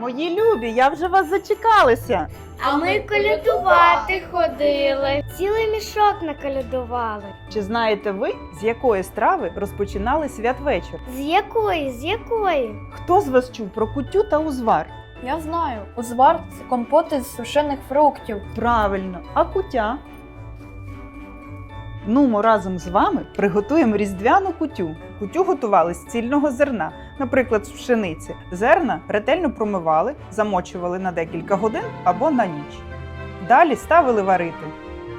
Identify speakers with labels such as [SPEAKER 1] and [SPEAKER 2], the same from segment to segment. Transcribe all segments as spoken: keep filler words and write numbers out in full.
[SPEAKER 1] Мої любі, я вже вас зачекалася.
[SPEAKER 2] А ми колядувати ходили. Цілий мішок наколядували.
[SPEAKER 1] Чи знаєте ви, з якої страви розпочинали святвечір?
[SPEAKER 2] З якої? З якої?
[SPEAKER 1] Хто з вас чув про куттю та узвар?
[SPEAKER 3] Я знаю, узвар – це компот із сушених фруктів.
[SPEAKER 1] Правильно, а куття? Ну, ми разом з вами приготуємо різдвяну кутю. Кутю готували з цільного зерна, наприклад, з пшениці. Зерна ретельно промивали, замочували на декілька годин або на ніч. Далі ставили варити.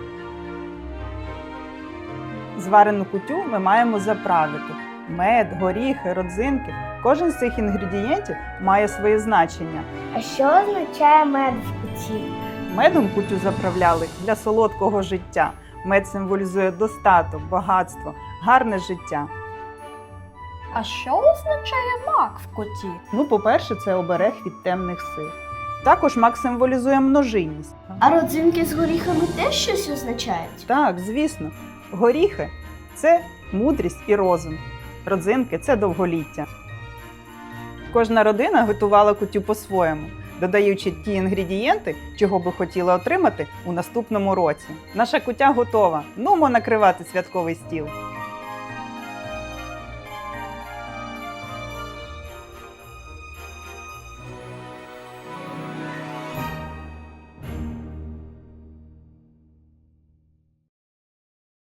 [SPEAKER 1] Зварену кутю ми маємо заправити. Мед, горіхи, родзинки. Кожен з цих інгредієнтів має своє значення.
[SPEAKER 2] А що означає мед в куті?
[SPEAKER 1] Медом кутю заправляли для солодкого життя. Мед символізує достаток, багатство, гарне життя.
[SPEAKER 3] А що означає мак в куті?
[SPEAKER 1] Ну, по-перше, це оберег від темних сил. Також мак символізує множинність.
[SPEAKER 2] А родзинки з горіхами теж щось означають?
[SPEAKER 1] Так, звісно. Горіхи – це мудрість і розум. Родзинки – це довголіття. Кожна родина готувала кутю по-своєму, додаючи ті інгредієнти, чого би хотіла отримати у наступному році. Наша кутя готова. Нумо накривати святковий стіл.